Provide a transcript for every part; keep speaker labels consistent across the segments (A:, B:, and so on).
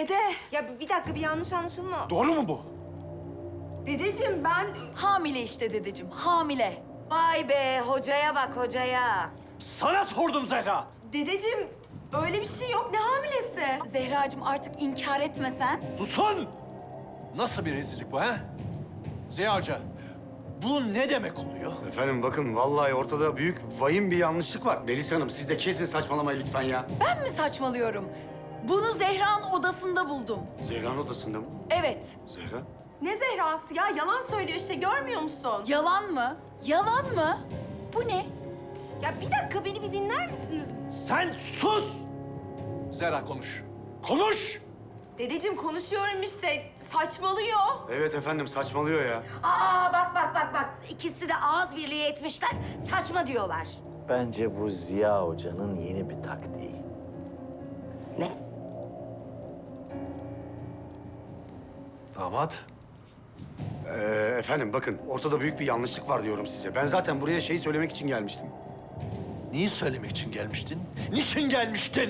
A: Dede,
B: Ya bir dakika, bir yanlış anlaşılma.
C: Doğru mu bu?
A: dedeciğim ben...
D: Hamile işte dedeciğim, hamile.
E: Vay be, hocaya bak hocaya.
C: Sana sordum Zehra.
A: Dedeciğim, öyle bir şey yok. Ne hamilesi?
D: Zehracığım artık inkar etmesen.
C: Susun! Nasıl bir rezillik bu ha? Ziya Hoca, bu ne demek oluyor?
F: Efendim bakın vallahi ortada büyük vahim bir yanlışlık var. Melis Hanım siz de kesin saçmalamayın lütfen ya.
D: Ben mi saçmalıyorum? Bunu Zehra'nın odasında buldum.
F: Zehra'nın odasında mı?
D: Evet.
F: Zehra?
A: Ne Zehra'sı ya? Yalan söylüyor işte, görmüyor musun?
D: Yalan mı? Yalan mı? Bu ne?
B: Ya bir dakika, beni bir dinler misiniz?
C: Sen sus! Zehra konuş. Konuş!
A: Dedeciğim konuşuyorum işte. Saçmalıyor.
F: Evet efendim saçmalıyor ya.
E: Aa bak. İkisi de ağız birliği etmişler, saçma diyorlar.
G: Bence bu Ziya Hoca'nın yeni bir taktiği.
E: Ne?
C: Damat.
F: Efendim bakın ortada büyük bir yanlışlık var diyorum size. Ben zaten buraya şeyi söylemek için gelmiştim.
C: Neyi söylemek için gelmiştin? Niçin gelmiştin?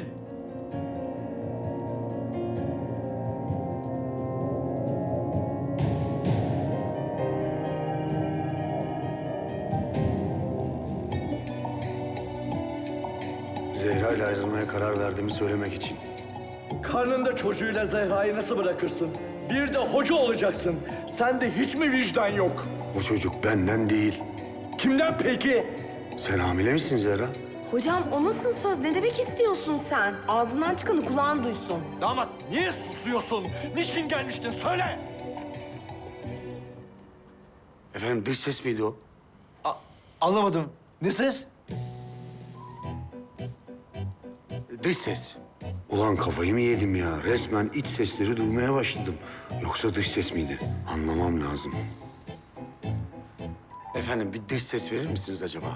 F: Zehra ile ayrılmaya karar verdiğimi söylemek için.
H: Karnında çocuğuyla Zehra'yı nasıl bırakırsın? Bir de hoca olacaksın. Sende hiç mi vicdan yok?
F: Bu çocuk benden değil.
H: Kimden peki?
F: Sen hamile misin Zehra?
A: Hocam o nasıl söz? Ne demek istiyorsun sen? Ağzından çıkanı kulağın duysun.
C: Damat niye susuyorsun? Niçin gelmiştin? Söyle!
F: Efendim dış ses miydi o?
C: Anlamadım. Ne ses?
F: Dış ses. Ulan kafayı mı yedim ya? Resmen iç sesleri duymaya başladım. Yoksa dış ses miydi? Anlamam lazım. Efendim bir dış ses verir misiniz acaba?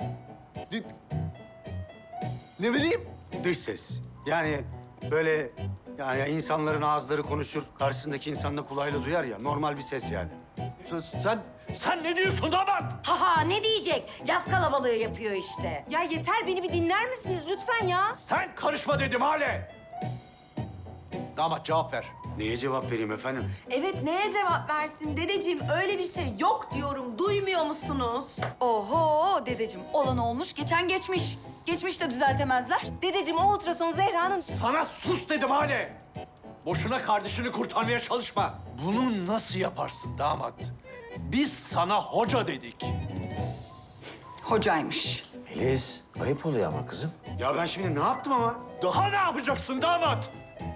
C: Ne vereyim?
F: Dış ses. Yani böyle yani insanların ağızları konuşur, karşısındaki insan da kulağıyla duyar ya. Normal bir ses yani.
C: Sen ne diyorsun damat?
E: Ha ne diyecek? Laf kalabalığı yapıyor işte.
B: Ya yeter, beni bir dinler misiniz lütfen ya?
C: Sen karışma dedim Hale. Damat cevap ver.
F: Neye cevap vereyim efendim?
A: Evet, neye cevap versin dedeciğim? Öyle bir şey yok diyorum. Duymuyor musunuz?
D: Oho dedeciğim, olan olmuş, geçen geçmiş. Geçmiş de düzeltemezler.
B: Dedeciğim, o ultrason Zehra'nın...
C: Sana sus dedim Hale. Boşuna kardeşini kurtarmaya çalışma. Bunu nasıl yaparsın damat? Biz sana hoca dedik.
D: Hocaymış.
G: Melis, ayıp oluyor ama kızım.
F: Ya ben şimdi ne yaptım ama?
C: Daha ne yapacaksın damat?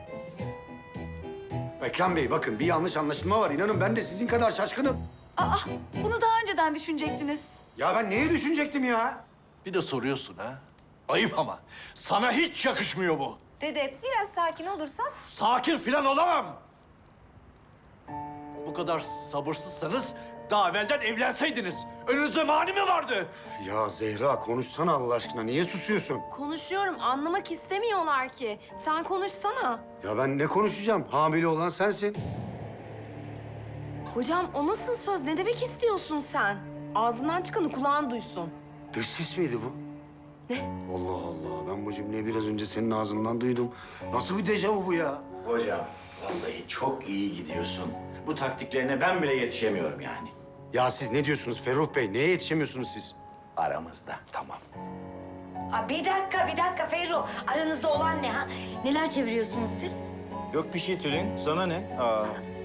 F: Ekrem Bey bakın bir yanlış anlaşılma var. İnanın ben de sizin kadar şaşkınım.
D: Aa, bunu daha önceden düşünecektiniz.
F: Ya ben neyi düşünecektim ya?
C: Bir de soruyorsun ha. Ayıp ama. Sana hiç yakışmıyor bu.
B: Dede, biraz sakin olursan...
C: Sakin filan olamam. Bu kadar sabırsızsanız daha evvelden evlenseydiniz. Önünüzde mani mi vardı?
F: Ya Zehra konuşsana Allah aşkına. Niye susuyorsun?
A: Konuşuyorum, anlamak istemiyorlar ki. Sen konuşsana.
F: Ya ben ne konuşacağım? Hamile olan sensin.
A: Hocam o nasıl söz? Ne demek istiyorsun sen? Ağzından çıkanı kulağın duysun.
F: Dış ses miydi bu?
A: Ne?
F: Allah Allah. Ben bu cümleyi biraz önce senin ağzından duydum. Nasıl bir dejavu bu ya?
G: Hocam, vallahi çok iyi gidiyorsun. Bu taktiklerine ben bile yetişemiyorum yani.
F: Ya siz ne diyorsunuz Ferruh Bey? Neye yetişemiyorsunuz siz?
G: Aramızda, tamam.
E: Aa, bir dakika Ferruh. Aranızda olan ne ha? Neler çeviriyorsunuz siz?
I: Yok bir şey Tülin. Sana ne? Aa.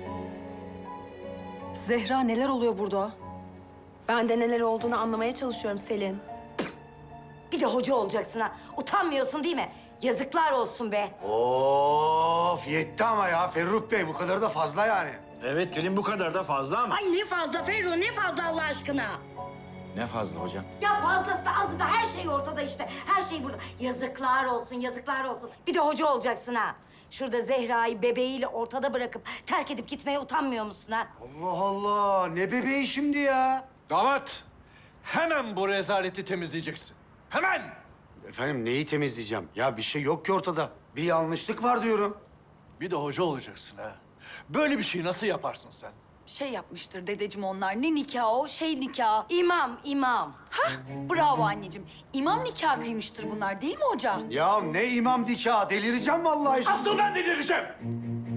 D: Zehra neler oluyor burada?
A: Ben de neler olduğunu anlamaya çalışıyorum Selin.
E: Bir de hoca olacaksın ha. Utanmıyorsun değil mi? Yazıklar olsun be.
F: Of yetti ama ya Ferruh Bey. Bu kadar da fazla yani.
I: Evet Tülin bu kadar da fazla ama.
E: Ay ne fazla Ferruh, ne fazla Allah aşkına.
I: Ne fazla hocam?
E: Ya fazlası da azı da her şey ortada işte. Her şey burada. Yazıklar olsun, yazıklar olsun. Bir de hoca olacaksın ha. Şurada Zehra'yı bebeğiyle ortada bırakıp terk edip gitmeye utanmıyor musun ha?
F: Allah Allah. Ne bebeği şimdi ya?
C: Damat, hemen bu rezaleti temizleyeceksin. Hemen!
F: Efendim neyi temizleyeceğim? Ya bir şey yok ki ortada. Bir yanlışlık var diyorum.
C: Bir de hoca olacaksın ha. Böyle bir şeyi nasıl yaparsın sen?
D: Şey yapmıştır dedeciğim onlar. Ne nikahı o? Şey nikahı.
E: İmam.
D: Hah, bravo anneciğim. İmam nikahı kıymıştır bunlar değil mi hoca?
F: Ya ne imam nikahı? Delireceğim vallahi şimdi.
C: Asıl ben delireceğim.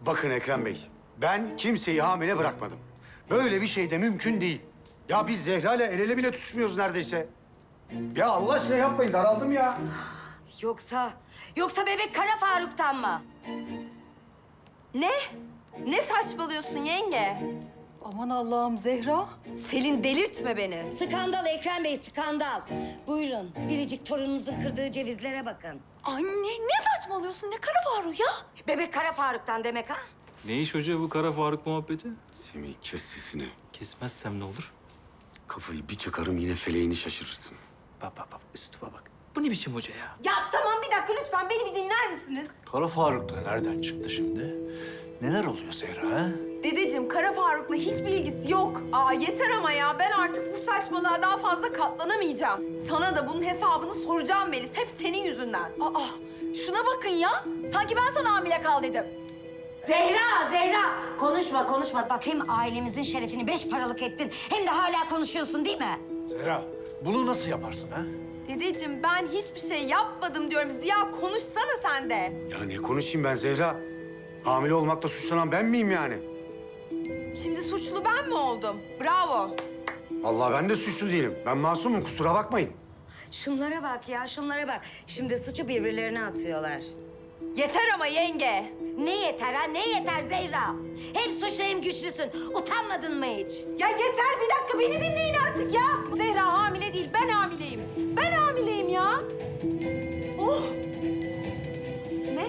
F: Bakın Ekrem Bey, ben kimseyi hamile bırakmadım. Böyle bir şey de mümkün değil. Ya biz Zehra ile el ele bile tutuşmuyoruz neredeyse. Ya Allah aşkına yapmayın, daraldım ya.
E: Yoksa bebek Kara Faruk'tan mı?
A: Ne? Ne saçmalıyorsun yenge?
D: Aman Allah'ım Zehra.
A: Selin delirtme beni.
E: Skandal Ekrem Bey, skandal. Buyurun, biricik torununuzun kırdığı cevizlere bakın.
D: Anne ne saçmalıyorsun? Ne Kara Faruk ya?
E: Bebek Kara Faruk'tan demek ha?
J: Ne iş hoca bu Kara Faruk muhabbeti?
F: Semih kes sesini.
J: Kesmezsem ne olur?
F: Kafayı bir çıkarım yine feleğini şaşırırsın.
J: Bak üstüme bak. Bu ne biçim hoca ya?
B: Ya tamam bir dakika lütfen beni bir dinler misiniz?
C: Kara Faruk da nereden çıktı şimdi? Neler oluyor Zehra ha?
A: Dedeciğim Kara Faruk'la hiçbir ilgisi yok. Aa yeter ama ya ben artık bu saçmalığa daha fazla katlanamayacağım. Sana da bunun hesabını soracağım Melis. Hep senin yüzünden.
D: Aa şuna bakın ya. Sanki ben sana hamile kal dedim.
E: Zehra! Konuşma. Bak hem ailemizin şerefini 5 paralık ettin, hem de hala konuşuyorsun değil mi?
C: Zehra, bunu nasıl yaparsın ha?
A: Dedeciğim ben hiçbir şey yapmadım diyorum. Ziya konuşsana sen de.
F: Ya ne konuşayım ben Zehra? Hamile olmakla suçlanan ben miyim yani?
A: Şimdi suçlu ben mi oldum? Bravo.
F: Vallahi ben de suçlu değilim. Ben masumum, kusura bakmayın.
E: Şunlara bak ya, şunlara bak. Şimdi suçu birbirlerine atıyorlar.
A: Yeter ama yenge.
E: Ne yeter ha, ne yeter Zehra? Hem suçlu hem güçlüsün. Utanmadın mı hiç?
B: Ya yeter bir dakika beni dinleyin artık ya. Zehra hamile değil ben hamileyim. Ben hamileyim ya. Oh. Ne?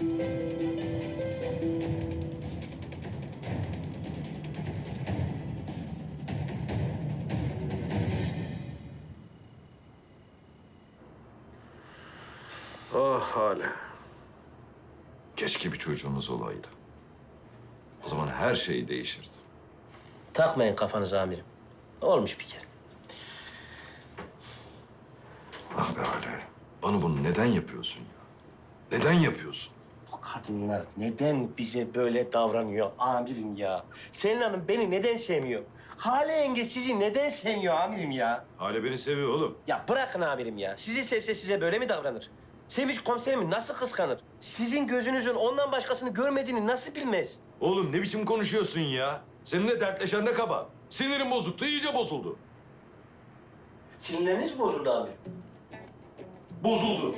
K: Ah Hale. Keşke bir çocuğumuz olaydı. O zaman her şey değişirdi.
L: Takmayın kafanıza amirim. Olmuş bir kere.
K: Ah be Hale. Bana bunu neden yapıyorsun ya? Neden yapıyorsun?
L: O kadınlar neden bize böyle davranıyor amirim ya? Selin Hanım beni neden sevmiyor? Hale yenge sizi neden sevmiyor amirim ya?
K: Hale beni seviyor oğlum.
L: Ya bırakın amirim ya. Sizi sevse size böyle mi davranır? Sevinç komiserimi nasıl kıskanır? Sizin gözünüzün ondan başkasını görmediğini nasıl bilmez?
K: Oğlum ne biçim konuşuyorsun ya? Seninle dertleşen ne kaba? Sinirim bozuktu, iyice bozuldu.
L: Sinirleriniz mi bozuldu amirim?
K: Bozuldu.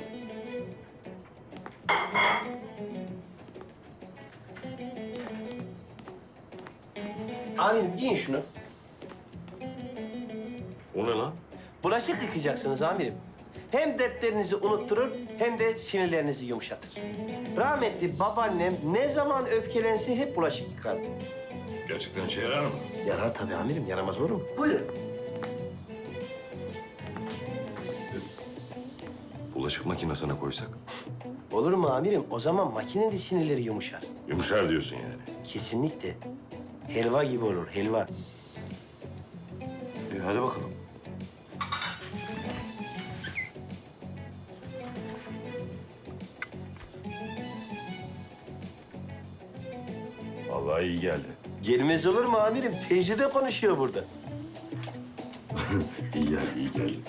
L: Amirim giyin şunu.
K: O ne lan?
L: Bulaşık yıkayacaksınız amirim. Hem dertlerinizi unutturur hem de sinirlerinizi yumuşatır. Rahmetli babaannem ne zaman öfkelense hep bulaşık yıkardı.
K: Gerçekten işe yarar mı?
L: Yarar tabii amirim, yaramaz olur mu? Buyurun.
K: Bulaşık makinesine koysak.
L: Olur mu amirim? O zaman makinenin sinirleri yumuşar.
K: Yumuşar diyorsun yani.
L: Kesinlikle. Helva gibi olur, helva.
K: Hadi bakalım. Vallahi iyi geldi.
L: Gelmez olur mu amirim? Tecrübe konuşuyor burada.
K: İyi geldi, iyi geldi.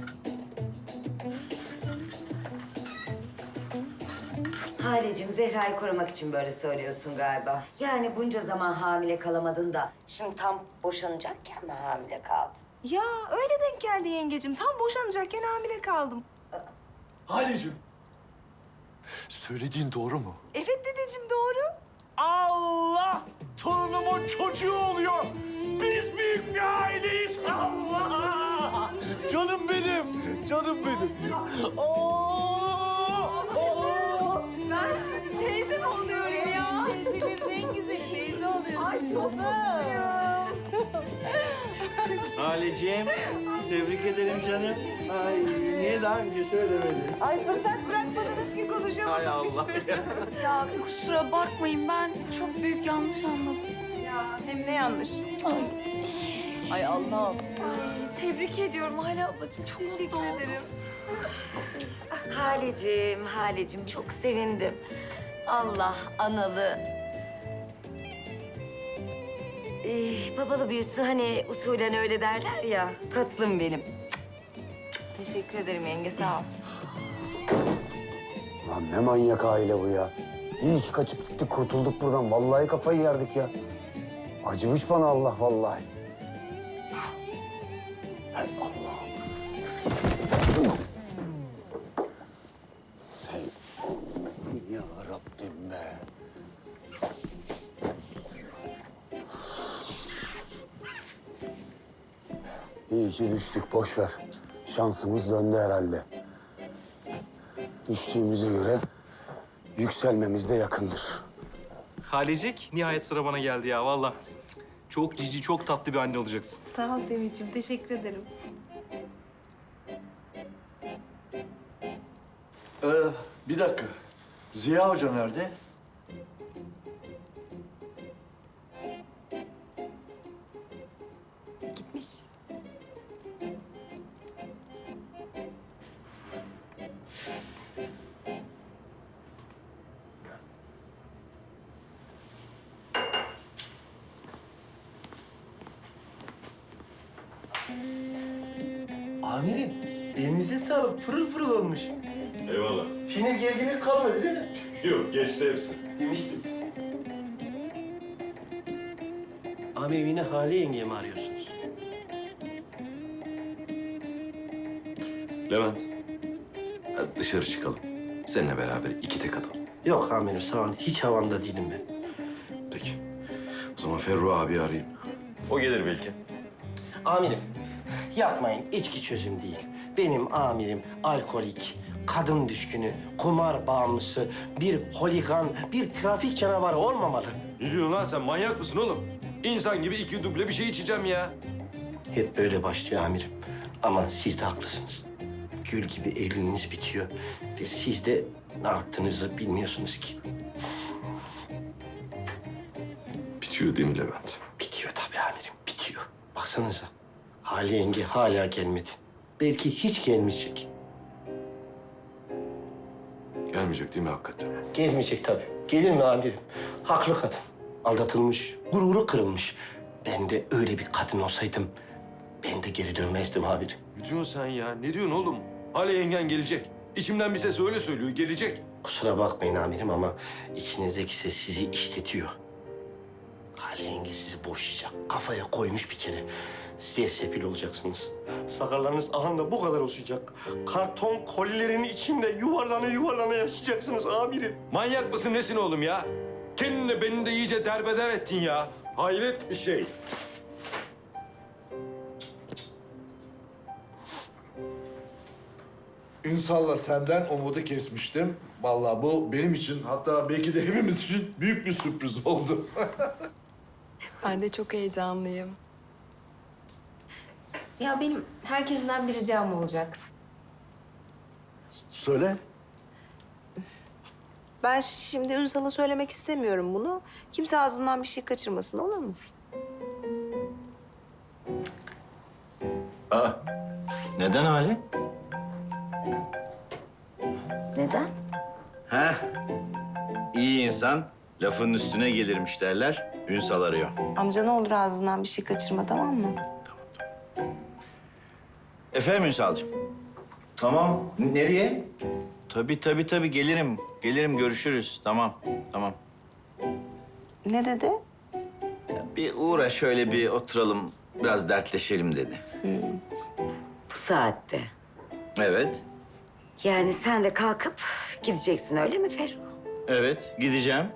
E: Halecim, Zehra'yı korumak için böyle söylüyorsun galiba. Yani bunca zaman hamile kalamadın da şimdi tam boşanacakken mi hamile kaldın?
B: Ya öyle denk geldi yengecim. Tam boşanacakken hamile kaldım.
C: Halicim, söylediğin doğru mu?
B: Evet dedeciğim doğru.
C: Allah! Torunumun çocuğu oluyor. Biz büyük bir aileyiz. Allah! Canım benim, canım benim.
A: Ben şimdi teyze mi oluyorum ya?
B: Teyzelerin en güzeli teyze oluyorsun.
A: Ay çok mutluyum.
L: Haleciğim, tebrik ederim canım. Ay, niye daha önce söylemedin?
B: Ay fırsat bırakmadınız ki konuşamadım.
L: Hay Allah ya.
D: Ya kusura bakmayın ben çok büyük yanlış anladım.
B: Ya hem ne yanlış.
D: Ay Allah'ım. Tebrik ediyorum Hale ablacığım. Çok mutlu oldum.
E: Halecim çok sevindim. Allah analı, babalı büyüsü hani usulen öyle derler ya. Tatlım benim.
B: Teşekkür ederim yenge sağ ol.
F: Lan ne manyak aile bu ya. İyi ki kaçıp gittik, kurtulduk buradan. Vallahi kafayı yerdik ya. Acımış bana Allah vallahi. Hay Allah'ım. Hey Allah'ım ya Rabbim be. İyi ki düştük, boş ver. Şansımız döndü herhalde. Düştüğümüze göre yükselmemiz de yakındır.
J: Halecik, nihayet sıra bana geldi ya vallahi. Çok cici, çok tatlı bir anne olacaksın.
D: Sağ ol Sevinç'im. Teşekkür ederim.
H: Bir dakika. Ziya Hoca nerede?
A: Gitmiş.
L: Amirim, elinize sağlık. Pırıl pırıl olmuş.
G: Eyvallah.
L: Sinir gerginlik kalmadı değil mi?
G: Yok, geçti hepsi.
L: Demiştim. Amirim yine Hale yengeye mi arıyorsunuz?
K: Levent, hadi dışarı çıkalım. Seninle beraber iki tek atalım.
L: Yok amirim sağ olun. Hiç havamda değilim ben.
K: Peki. O zaman Ferru abi arayayım.
G: O gelir belki.
L: Amirim yapmayın. İçki çözüm değil. Benim amirim alkolik, kadın düşkünü, kumar bağımlısı, bir holigan, bir trafik canavarı olmamalı.
K: Ne diyorsun lan sen? Manyak mısın oğlum? İnsan gibi iki duble bir şey içeceğim ya.
L: Hep böyle başlıyor amirim. Ama siz de haklısınız. Gül gibi Eylül'ünüz bitiyor. Ve siz de ne yaptığınızı bilmiyorsunuz ki.
K: Bitiyor değil mi Levent?
L: Bitiyor tabii amirim, bitiyor. Baksanıza, Hale yenge hala gelmedi. Belki hiç gelmeyecek.
K: Gelmeyecek değil mi hakikaten?
L: Gelmeyecek tabii. Gelir mi amirim? Haklı kadın. Aldatılmış, gururu kırılmış. Ben de öyle bir kadın olsaydım, ben de geri dönmezdim amirim.
K: Ne diyorsun sen ya? Ne diyorsun oğlum? Hale yengen gelecek. İçimden bir ses öyle söylüyor, gelecek.
L: Kusura bakmayın amirim ama içinizdeki ses sizi işletiyor. Hale yenge sizi boşayacak. Kafaya koymuş bir kere. Siz sefil olacaksınız. Sakallarınız ahanda bu kadar olacak. Karton kolilerin içinde yuvarlana yuvarlana yaşayacaksınız amirim.
K: Manyak mısın nesin oğlum ya? Kendini beni de iyice derbeder ettin ya. Hayret bir şey.
H: Ünsal'la senden umudu kesmiştim. Vallahi bu benim için, hatta belki de hepimiz için büyük bir sürpriz oldu.
D: Ben de çok heyecanlıyım.
B: Ya benim herkesten bir ricam olacak.
H: Söyle.
B: Ben şimdi Ünsal'a söylemek istemiyorum bunu. Kimse ağzından bir şey kaçırmasın, olur mu?
G: Aa, neden Hale?
E: Neden?
G: Heh, iyi insan lafın üstüne gelirmiş derler. Ünsal arıyor.
B: Amca ne olur ağzından bir şey kaçırma, tamam mı?
G: Efendim Ünsal'cığım? Tamam. Nereye? Tabii gelirim. Gelirim görüşürüz. Tamam.
B: Ne dedi?
G: Bir uğra şöyle bir oturalım. Biraz dertleşelim dedi.
E: Bu saatte.
G: Evet.
E: Yani sen de kalkıp gideceksin öyle mi Ferru?
G: Evet gideceğim.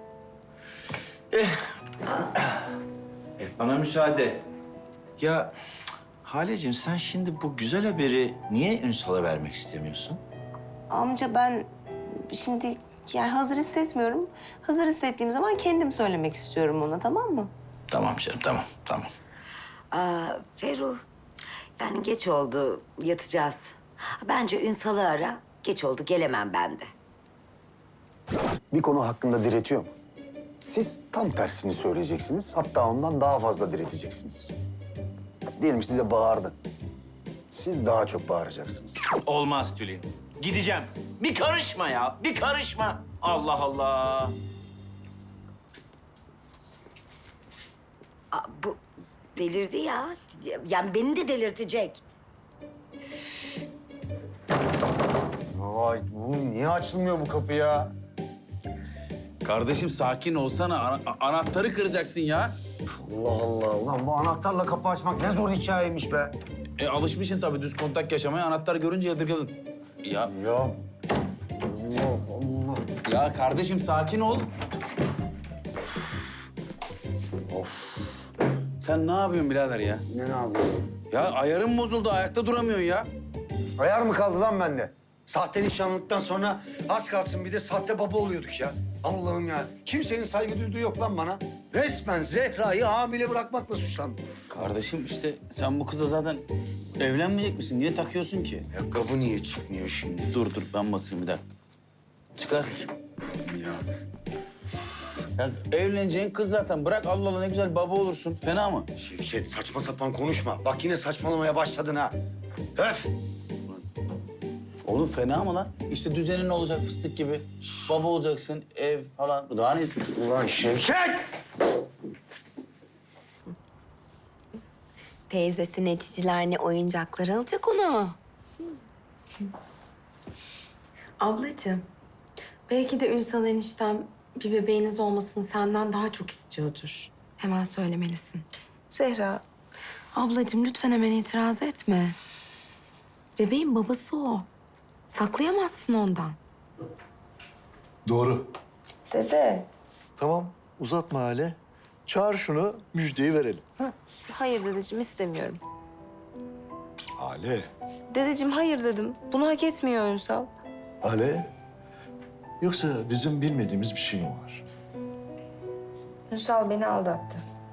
G: Bana müsaade. Ya Haleciğim sen şimdi bu güzel haberi niye Ünsal'a vermek istemiyorsun?
B: Amca ben şimdi yani hazır hissetmiyorum. Hazır hissettiğim zaman kendim söylemek istiyorum ona, tamam mı?
G: Tamam canım tamam.
E: Ferru, yani geç oldu, yatacağız. Bence Ünsal'ı ara. Geç oldu, gelemem ben de.
F: Bir konu hakkında diretiyor mu? Siz tam tersini söyleyeceksiniz. Hatta ondan daha fazla direteceksiniz. Diyelim size bağırdı. Siz daha çok bağıracaksınız.
G: Olmaz Tülin. Gideceğim. Bir karışma ya, bir karışma. Allah Allah.
E: Bu delirdi ya. Yani beni de delirtecek.
F: Vay, bu niye açılmıyor bu kapı ya?
I: Kardeşim sakin olsana. Anahtarı kıracaksın ya.
F: Allah Allah. Ulan bu anahtarla kapı açmak ne zor hikayeymiş be.
I: Alışmışsın tabii düz kontak yaşamaya. Anahtar görünce yadırgadın. Ya
F: Ya. Allah Allah.
I: ya kardeşim sakin ol. Of. Sen ne yapıyorsun birader ya?
F: Ne yapıyorsun?
I: Ya ayarın bozuldu. Ayakta duramıyorsun ya.
F: Ayar mı kaldı lan bende? Sahte nişanlıktan sonra az kalsın bir de sahte baba oluyorduk ya. Allah'ım ya. Kimsenin saygı duyduğu yok lan bana. Resmen Zehra'yı hamile bırakmakla suçlandım.
I: Kardeşim işte sen bu kızla zaten evlenmeyecek misin? Niye takıyorsun ki?
F: Ya kabı niye çıkmıyor şimdi?
I: Dur ben basayım bir dakika. Çıkar. Ya evleneceğin kız zaten. Bırak Allah Allah ne güzel baba olursun. Fena mı?
F: Şevket saçma sapan konuşma. Bak yine saçmalamaya başladın ha. Öf!
I: Oğlum fena mı lan? İşte düzenin olacak fıstık gibi. Baba olacaksın, ev falan. Daha ne istiyorsun?
F: Ulan Şevket!
A: Teyzesi ne ciciler ne oyuncaklar alacak onu. Ablacığım, belki de Ünsal eniştem bir bebeğiniz olmasını senden daha çok istiyordur. Hemen söylemelisin.
B: Zehra,
A: Ablacığım lütfen hemen itiraz etme. Bebeğin babası o. Saklayamazsın ondan.
H: Doğru.
B: dede.
H: Tamam, uzatma Hale. Çağır şunu, müjdeyi verelim.
B: Hayır dedeciğim, istemiyorum.
H: Hale.
B: Dedeciğim hayır dedim. Bunu hak etmiyor Ünsal.
H: Hale. Yoksa bizim bilmediğimiz bir şey mi var?
B: Ünsal beni aldattı.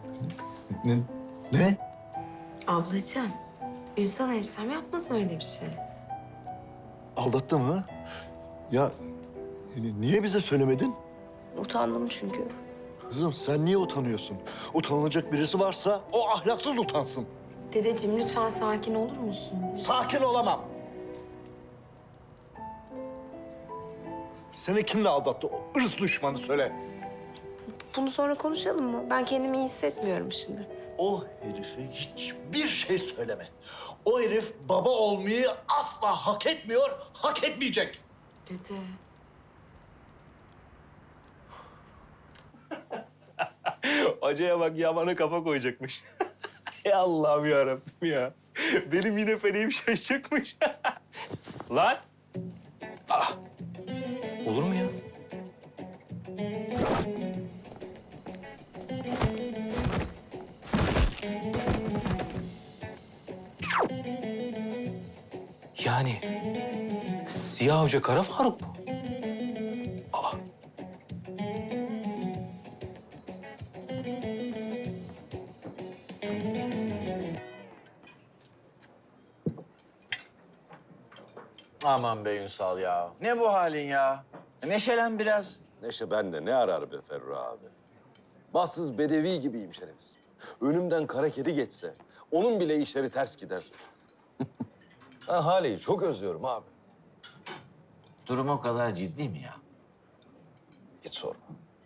H: Ne?
A: Ablacığım, Ünsal eniştem yapmaz öyle bir şey.
H: Aldattı mı? Ya niye bize söylemedin?
B: Utandım çünkü.
H: Kızım sen niye utanıyorsun? Utanılacak birisi varsa o ahlaksız utansın.
A: Dedeciğim lütfen sakin olur musun?
H: Sakin olamam. Seni kimle aldattı? O ırz düşmanı söyle.
B: Bunu sonra konuşalım mı? Ben kendimi iyi hissetmiyorum şimdi.
H: O herife hiçbir şey söyleme. O herif baba olmayı asla hak etmiyor, hak etmeyecek.
A: Dede.
J: Hocaya bak ya bana kafa koyacakmış. Ey Allah'ım yarabbim ya. Benim yine feleğim şaşacakmış. Lan. Olur mu ya? Yani Ziya Hoca Kara Faruk mu?
G: Aman be Ünsal ya. Ne bu halin ya? Neşelen biraz.
M: Neşe bende ne arar be Ferru abi? Bahtsız bedevi gibiyim şerefsiz. Önümden kara kedi geçse onun bile işleri ters gider. Ben Hale'yi çok özlüyorum abi.
G: Durum o kadar ciddi mi ya?
M: Hiç sorma.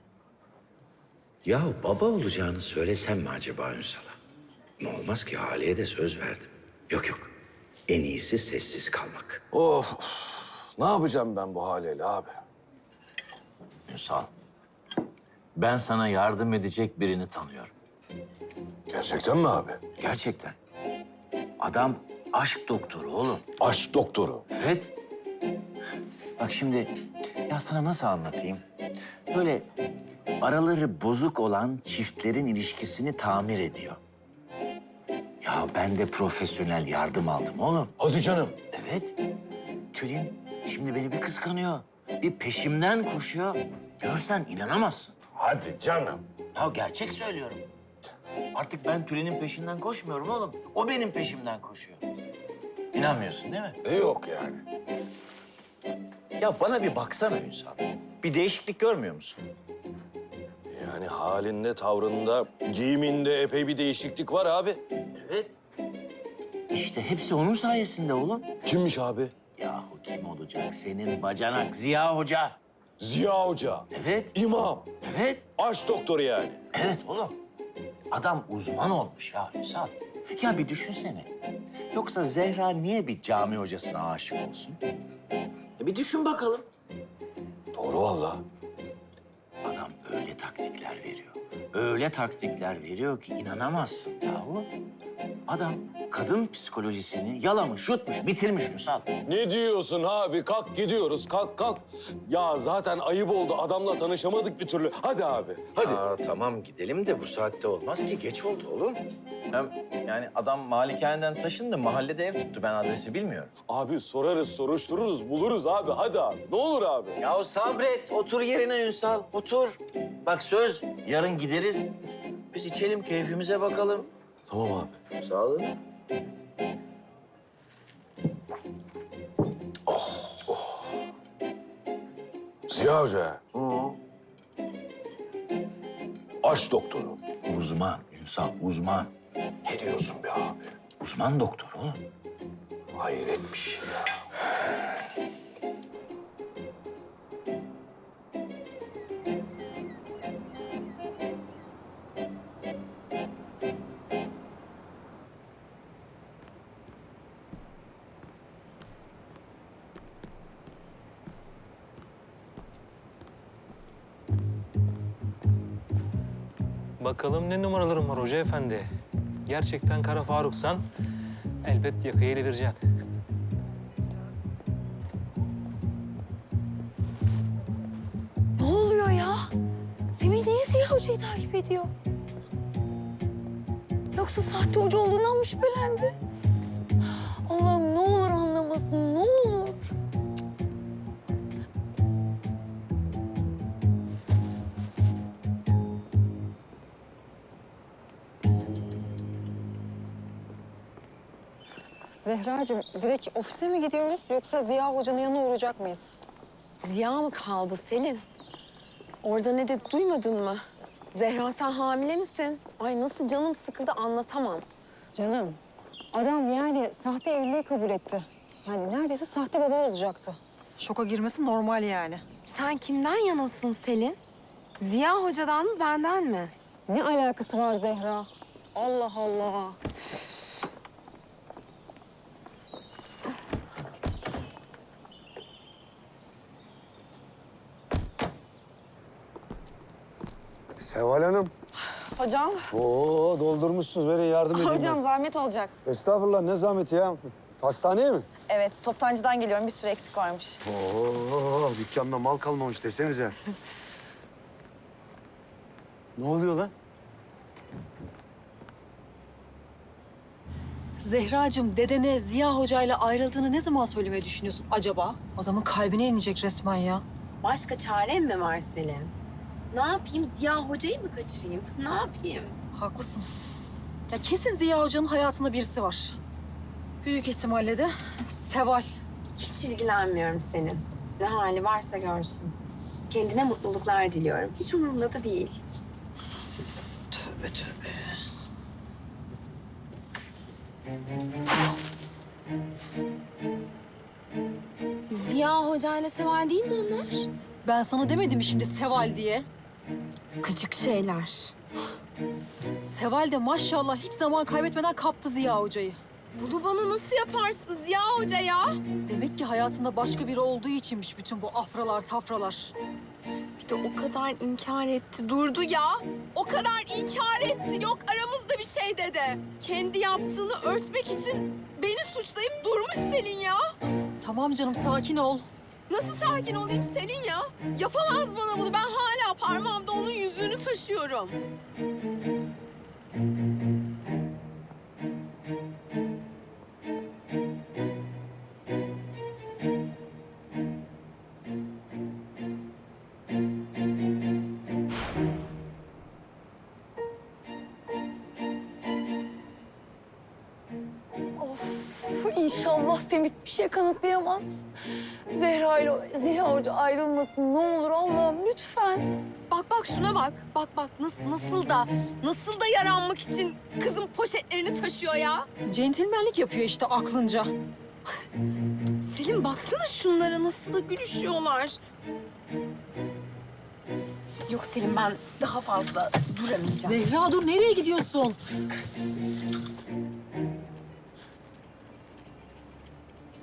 G: Ya baba olacağını söylesem mi acaba Ünsal'a? Ne olmaz ki Hale'ye de söz verdim. Yok. En iyisi sessiz kalmak.
M: Of, ne yapacağım ben bu Hale'yle abi?
G: Ünsal, ben sana yardım edecek birini tanıyorum.
M: Gerçekten mi abi?
G: Gerçekten. Adam aşk doktoru oğlum.
M: Aşk doktoru.
G: Evet. Bak şimdi ya sana nasıl anlatayım? Böyle araları bozuk olan çiftlerin ilişkisini tamir ediyor. Ya ben de profesyonel yardım aldım oğlum.
M: Hadi canım.
G: Evet. Tülin şimdi beni bir kıskanıyor. Bir peşimden koşuyor. Görsen inanamazsın.
M: Hadi canım.
G: Ya gerçek söylüyorum. Artık ben Tülin'in peşinden koşmuyorum oğlum. O benim peşimden koşuyor. İnanmıyorsun değil mi?
M: Yok yani.
G: Ya bana bir baksana Ünsal. Bir değişiklik görmüyor musun?
M: Yani halinde, tavrında, giyiminde epey bir değişiklik var abi.
G: Evet. İşte hepsi onun sayesinde oğlum.
M: Kimmiş abi?
G: Yahu kim olacak? Senin bacanak Ziya Hoca.
M: Ziya Hoca.
G: Evet.
M: İmam.
G: Evet.
M: Aşk doktoru yani.
G: Evet oğlum. Adam uzman olmuş ya Ünsal. Ya bir düşünsene. Yoksa Zehra niye bir cami hocasına aşık olsun? Bir düşün bakalım.
M: Doğru vallahi.
G: Adam öyle taktikler veriyor. Öyle taktikler veriyor ki inanamazsın yahu. Adam kadın psikolojisini yalamış, yutmuş, bitirmiş Ünsal.
M: Ne diyorsun abi? Kalk gidiyoruz. Kalk kalk. Ya zaten ayıp oldu. Adamla tanışamadık bir türlü. Hadi abi. Hadi.
G: Aa, tamam gidelim de bu saatte olmaz ki. Geç oldu oğlum. Hem yani adam malikaneden taşındı, mahallede ev tuttu. Ben adresi bilmiyorum.
M: Abi sorarız, soruştururuz, buluruz abi. Hadi abi. Ne olur abi.
G: Ya sabret, otur yerine Ünsal, otur. Bak söz, yarın gideriz. Biz içelim, keyfimize bakalım.
M: Tamam abi.
G: Sağ olun.
M: Ziya Hoca. Aş doktoru.
G: Uzman Ünsal, uzman.
M: Ne diyorsun be abi?
G: Uzman doktor oğlum.
M: Hayret bir şey ya.
J: Bakalım ne numaralarım var hoca efendi. Gerçekten Kara Faruk'san elbet yakayı ele vereceksin.
D: Ne oluyor ya? Semih niye Ziya Hoca'yı takip ediyor? Yoksa sahte hoca olduğundan mı şüphelendi? Allah'ım ne olur anlamasın, ne olur.
B: Zehracığım direkt ofise mi gidiyoruz yoksa Ziya Hoca'nın yanına uğrayacak mıyız?
A: Ziya mı kaldı Selin? Orada ne dedi duymadın mı? Zehra sen hamile misin? Ay nasıl canım sıkıldı anlatamam.
B: Canım, adam yani sahte evliliği kabul etti. Yani neredeyse sahte baba olacaktı. Şoka girmesi normal yani.
A: Sen kimden yanasın Selin? Ziya Hoca'dan mı benden mi?
B: Ne alakası var Zehra? Allah Allah.
F: Seval Hanım.
B: Hocam,
F: Oo doldurmuşsunuz. Verin yardım edeyim
B: hocam zahmet olacak.
F: ben. Estağfurullah ne zahmeti ya. Hastaneye mi?
B: Evet, toptancıdan geliyorum. Bir sürü eksik varmış.
F: Oo dükkanda mal kalmamış desenize. Ne oluyor lan?
B: Zehracığım, dedene Ziya Hoca'yla ayrıldığını ne zaman söylemeyi düşünüyorsun acaba? Adamın kalbine inecek resmen ya.
A: Başka çarem mi var Selin? Ne yapayım? Ziya Hoca'yı mı kaçırayım? Ne yapayım?
B: Haklısın. Ya kesin Ziya Hoca'nın hayatında birisi var. Büyük ihtimalle de Seval.
A: Hiç ilgilenmiyorum senin. Ne hali varsa görsün. Kendine mutluluklar diliyorum. Hiç umurumda da değil.
B: Tövbe tövbe.
A: Ziya Hoca ile Seval değil mi onlar?
B: Ben sana demedim mi şimdi Seval diye?
A: Gıcık şeyler.
B: Seval de maşallah hiç zaman kaybetmeden kaptı Ziya Hoca'yı.
A: Bunu bana nasıl yaparsın Ziya Hoca ya?
B: Demek ki hayatında başka biri olduğu içinmiş bütün bu afralar tafralar.
A: Bir de o kadar inkar etti, durdu ya. O kadar inkar etti. Yok aramızda bir şey dedi. Kendi yaptığını örtmek için beni suçlayıp durmuş Selin ya.
B: Tamam canım sakin ol.
A: Nasıl sakin olayım Selin ya? Yapamaz bana bunu. Ben hala parmağımda onun yüzüğünü taşıyorum.
D: İnşallah Semih bir şey kanıtlayamaz. Zehra ile Ziya Hoca ayrılmasın ne olur Allah'ım lütfen.
A: Bak şuna bak. Bak nasıl da yaranmak için kızın poşetlerini taşıyor ya.
B: Centilmenlik yapıyor işte aklınca.
A: Selin baksana şunlara nasıl da gülüşüyorlar. Yok Selin ben daha fazla duramayacağım.
B: Zehra dur nereye gidiyorsun?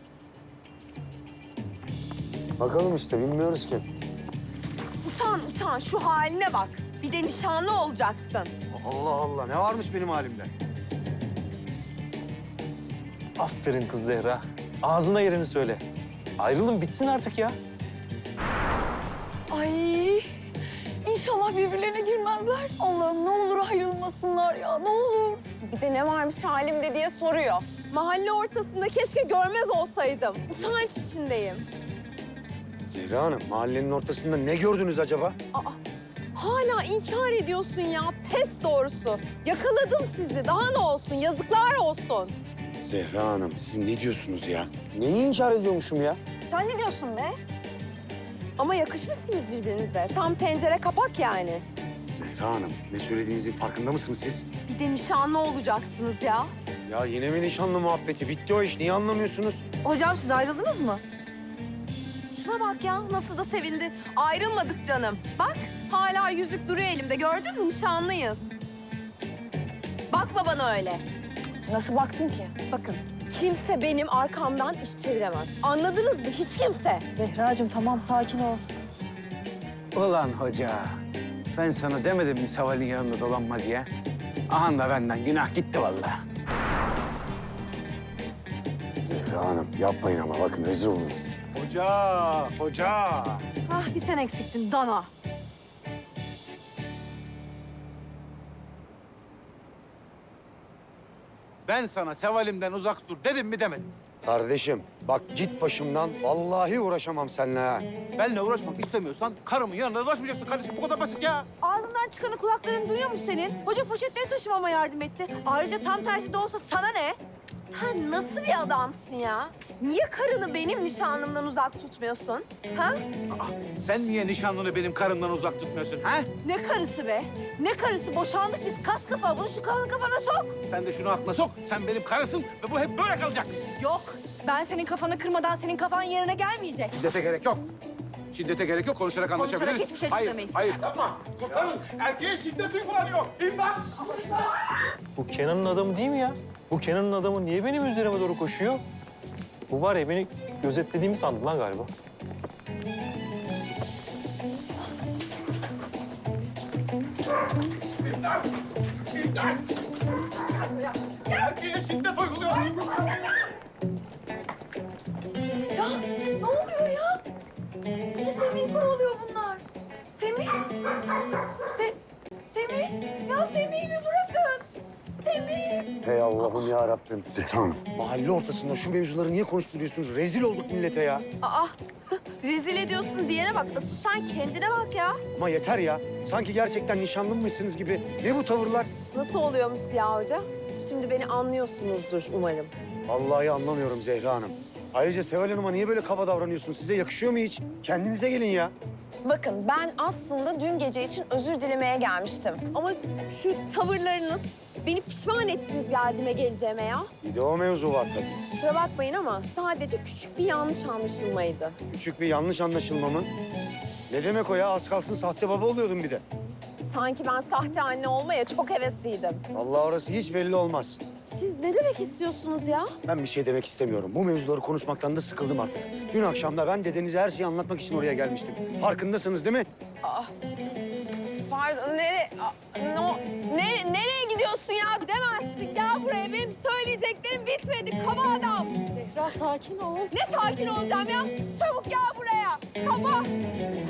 F: Bakalım işte bilmiyoruz ki.
A: Utan Zehran şu haline bak. Bir de nişanlı olacaksın.
F: Allah Allah, ne varmış benim halimde?
J: Aferin kız Zehra. Ağzına yerini söyle. Ayrılın bitsin artık ya.
D: Ay inşallah birbirlerine girmezler. Allah'ım ne olur ayrılmasınlar ya ne olur.
A: Bir de ne varmış halimde diye soruyor. Mahalle ortasında keşke görmez olsaydım. Utanç içindeyim.
F: Zehra Hanım, mahallenin ortasında ne gördünüz acaba?
A: Hala inkar ediyorsun ya. Pes doğrusu. Yakaladım sizi. Daha ne olsun? Yazıklar olsun.
F: Zehra Hanım, siz ne diyorsunuz ya? Neyi inkar ediyormuşum ya?
A: Sen ne diyorsun be? Ama yakışmışsınız birbirinize. Tam tencere kapak yani.
F: Zehra Hanım, ne söylediğinizin farkında mısınız siz?
A: Bir de nişanlı olacaksınız ya.
F: Ya yine mi nişanlı muhabbeti? Bitti o iş. Niye anlamıyorsunuz?
B: Hocam siz ayrıldınız mı?
A: Şuna bak ya. Nasıl da sevindi. Ayrılmadık canım. Bak hala yüzük duruyor elimde. Gördün mü? Nişanlıyız. Bakma bana öyle.
D: Nasıl baktım ki?
A: Bakın kimse benim arkamdan iş çeviremez. Anladınız mı? Hiç kimse.
D: Zehracığım tamam sakin ol.
I: Ulan hoca, ben sana demedim mi Seval'in yanında dolanma diye? Aha da benden günah gitti vallahi.
F: Zehra Hanım, yapmayın ama bakın rezil oluruz.
I: Hoca.
B: Ah bir sen eksiktin Dana.
I: Ben sana Seval'imden uzak dur dedim mi demedim.
F: Kardeşim, bak git başımdan. Vallahi uğraşamam seninle ha.
I: Benimle uğraşmak istemiyorsan karımın yanına dolaşmayacaksın kardeşim. Bu kadar basit ya.
B: Ağzından çıkanı kulakların duyuyor mu senin? Hoca poşetleri taşımama yardım etti. Ayrıca tam tersi de olsa sana ne?
A: Sen nasıl bir adamsın ya? Niye karını benim nişanlımdan uzak tutmuyorsun? Ha?
I: Sen niye nişanlını benim karımdan uzak tutmuyorsun ha?
B: Ne karısı be? Ne karısı? Boşandık biz kas kafa. Bunu şu kalın kafana sok.
I: Sen de şunu aklına sok. Sen benim karısın ve bu hep böyle kalacak.
B: Yok. Ben senin kafanı kırmadan senin kafan yerine gelmeyecek.
I: Şiddete gerek yok. Şiddete gerek yok. Konuşarak anlaşabiliriz.
B: hiçbir şey
I: hayır,
B: çözemeyiz.
I: hayır.
J: Bu Kenan'ın adamı değil mi ya? Bu Kenan'ın adamı niye benim üzerime doğru koşuyor? Bu var ya beni gözetlediğimi sandı lan galiba.
D: Ya ne oluyor ya? Niye Semih'i kovalıyor bunlar? Semih? Semih? Ya Semih'i mi bırakın? Semih!
F: Hey Allah'ım ya Rabbim. Zehra Hanım, mahalle ortasında şu mevzuları niye konuşturuyorsunuz? Rezil olduk millete ya.
A: Aa, rezil ediyorsun diyene bak. Asıl sen kendine bak ya.
F: Ama yeter ya. Sanki gerçekten nişanlıymışsınız gibi. Ne bu tavırlar?
A: Nasıl oluyormuş Ziya Hoca? Şimdi beni anlıyorsunuzdur umarım.
F: Vallahi anlamıyorum Zehra Hanım. Ayrıca Seval Hanım'a niye böyle kaba davranıyorsunuz? Size yakışıyor mu hiç? Kendinize gelin ya.
A: Bakın ben aslında dün gece için özür dilemeye gelmiştim. Ama şu tavırlarınız beni pişman ettiniz geldiğime geleceğime ya.
F: Bir de o mevzu var tabii.
A: Kusura bakmayın ama sadece küçük bir yanlış anlaşılmaydı.
F: Küçük bir yanlış anlaşılma mı? Ne demek o ya? Az kalsın sahte baba oluyordum bir de.
A: Sanki ben sahte anne olmaya çok hevesliydim.
F: Vallahi orası hiç belli olmaz.
A: Siz ne demek istiyorsunuz ya?
F: Ben bir şey demek istemiyorum. Bu mevzuları konuşmaktan da sıkıldım artık. Dün akşam da ben dedenize her şeyi anlatmak için oraya gelmiştim. Farkındasınız değil mi?
A: Pardon, nereye gidiyorsun ya? Gidemezsin. Gel buraya. Benim söyleyeceklerim bitmedi. Kaba adam.
D: Zehra sakin ol.
A: Ne sakin olacağım ya? Çabuk gel buraya. Kaba.